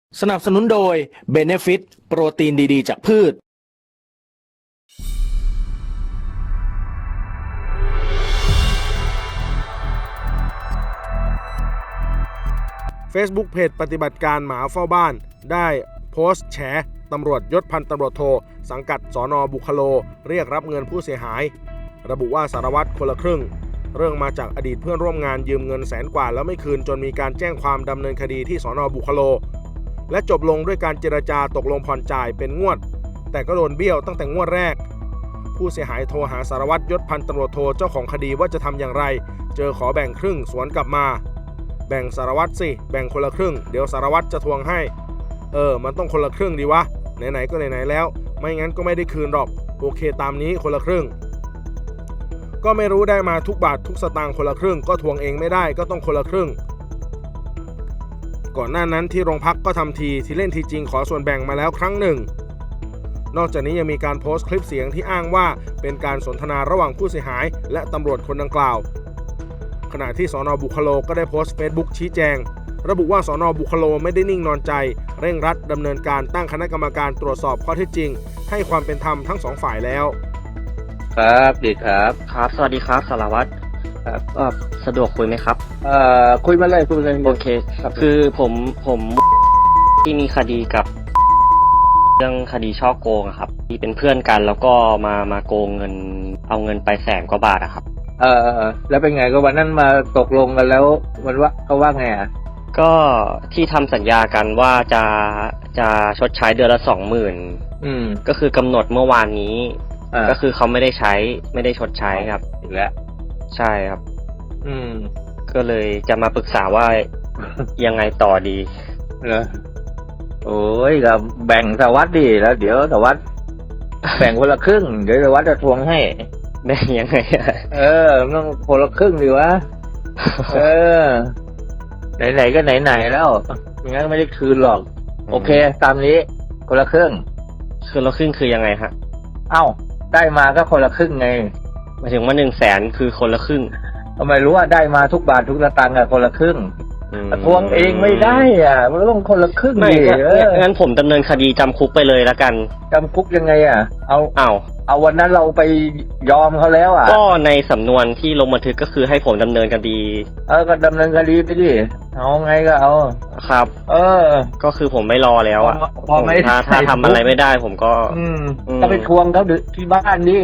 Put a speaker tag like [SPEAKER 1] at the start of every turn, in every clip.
[SPEAKER 1] สนับสนุนโดย Benefit โปรตีนดีๆจากพืช
[SPEAKER 2] Facebook เพจปฏิบัติการหมาเฝ้าบ้านได้โพสต์แฉตำรวจยศพันตำรวจโทสังกัดสน.บุคโลเรียกรับเงินผู้เสียหายระบุว่าสารวัตรคนละครึ่งเรื่องมาจากอดีตเพื่อนร่วมงานยืมเงินแสนกว่าแล้วไม่คืนจนมีการแจ้งความดำเนินคดีที่สน.บุคโลและจบลงด้วยการเจรจาตกลงผ่อนจ่ายเป็นงวดแต่ก็โดนเบี้ยวตั้งแต่งวดแรกผู้เสียหายโทรหาสารวัตรยศพันตำรวจโทเจ้าของคดีว่าจะทำอย่างไรเจอขอแบ่งครึ่งสวนกลับมาแบ่งสารวัตรสิแบ่งคนละครึ่งเดี๋ยวสารวัตรจะทวงให้มันต้องคนละครึ่งดีวะไหนๆก็ไหนๆแล้วไม่งั้นก็ไม่ได้คืนหรอกโอเคตามนี้คนละครึ่งก็ไม่รู้ได้มาทุกบาททุกสตางค์คนละครึ่งก็ทวงเองไม่ได้ก็ต้องคนละครึ่งก่อนหน้านั้นที่โรงพักก็ทำทีเล่นทีจริงขอส่วนแบ่งมาแล้วครั้งหนึ่งนอกจากนี้ยังมีการโพสต์คลิปเสียงที่อ้างว่าเป็นการสนทนาระหว่างผู้เสียหายและตำรวจคนดังกล่าวขณะที่สน.บุคโลก็ได้โพสต์ Facebook ชี้แจงระบุว่าสน.บุคโลไม่ได้นิ่งนอนใจเร่งรัดดำเนินการตั้งคณะกรรมการตรวจสอบข้อเท็จจริงให้ความเป็นธรรมทั้งสองฝ่ายแล้ว
[SPEAKER 3] ครับดีครับ
[SPEAKER 4] ครับสวัสดีครับสารวัตรสะดวกคุยไหมครับ
[SPEAKER 3] คุยมาเลย
[SPEAKER 4] โอเคคือผมที่มีคดีกับเรื่องคดีช่อโกงครับที่เป็นเพื่อนกันแล้วก็มาโกงเงินเอาเงินไป100,000 กว่าบาทครับ
[SPEAKER 3] แล้วเป็นไงก็วันนั้นมาตกลงกันแล้วมันว่าเขาว่าไง
[SPEAKER 4] ก็ที่ทำสัญญากันว่าจะชดใช้เดือนละ 20,000ก็คือกำหนดเมื่อวานนี้ก็คือเขาไม่ได้ชดใช้ครับ
[SPEAKER 3] อีกแล้ว
[SPEAKER 4] ใช่ครับก็เลยจะมาปรึกษาว่ายังไงต่อดี
[SPEAKER 3] เหรอโอ้ยก็แบ่งสวัสดิ์ดิแล้วเดี๋ยวสวัสดิ์แบ่งคนละครึ่งเดี๋ยวสวัสดิ์จะทวงให้
[SPEAKER 4] แบ่งยังไง
[SPEAKER 3] ต้องคนละครึ่งดีวะไหนๆก็ไหนๆแล้วงั้นไม่ได้คืนหรอกโอเคตามนี้คนละครึ่ง
[SPEAKER 4] คือยังไงฮะ
[SPEAKER 3] เอ้าได้มาก็คนละครึ่งไง
[SPEAKER 4] หมายถึงว่า100,000คือคนละครึ่ง
[SPEAKER 3] ทำไมรู้ว่าได้มาทุกบาททุกสตางค์คนละครึ่งทวงเองไม่ได้มันต้องคนละครึ่ง
[SPEAKER 4] ดิงั้นผมดำเนินคดีจำคุกไปเลยละกัน
[SPEAKER 3] จำคุกยังไงเอาวันนั้นเราไปยอมเขาแล้ว
[SPEAKER 4] ก็ในสำนวนที่ลงบันทึกก็คือให้ผมดำเนินคดี
[SPEAKER 3] ก็ดำเนินคดีไปดิเอาไงก็เอา
[SPEAKER 4] ครับก็คือผมไม่รอแล้วถ้าทำอะไรไม่ได้ผมก็
[SPEAKER 3] ไปทวงเขาที่บ้านดิ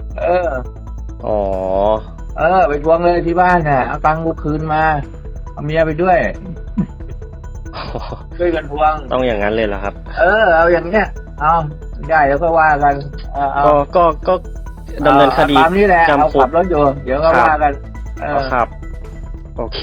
[SPEAKER 3] ไปทวงเลยที่บ้านเอาตังค์กูคืนมาเอาเมียไปด้วยช่วยกันทวง
[SPEAKER 4] ต้องอย่างนั้นเลยเหรอครับ
[SPEAKER 3] เอาอย่างเนี้ยเอาได้แล้วก็ว่ากัน
[SPEAKER 4] ก็ดำเนินคดี
[SPEAKER 3] ตามนี้แหละเอาขับรถอยู่เดี๋ยวก็ว่ากัน
[SPEAKER 4] ครับโอเค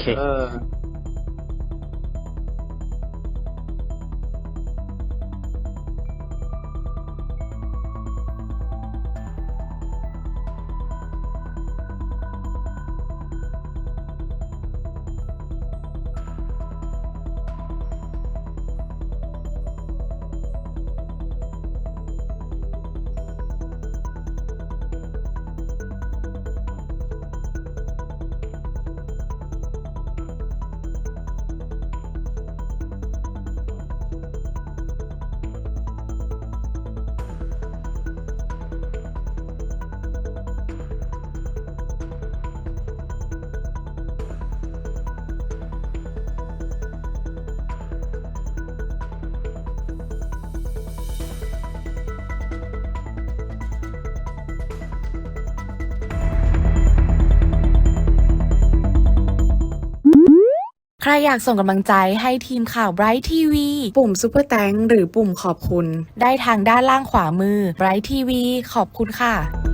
[SPEAKER 5] ใครอยากส่งกำลังใจให้ทีมข่าว Bright TV ปุ่ม Super Thanks หรือปุ่มขอบคุณได้ทางด้านล่างขวามือ Bright TV ขอบคุณค่ะ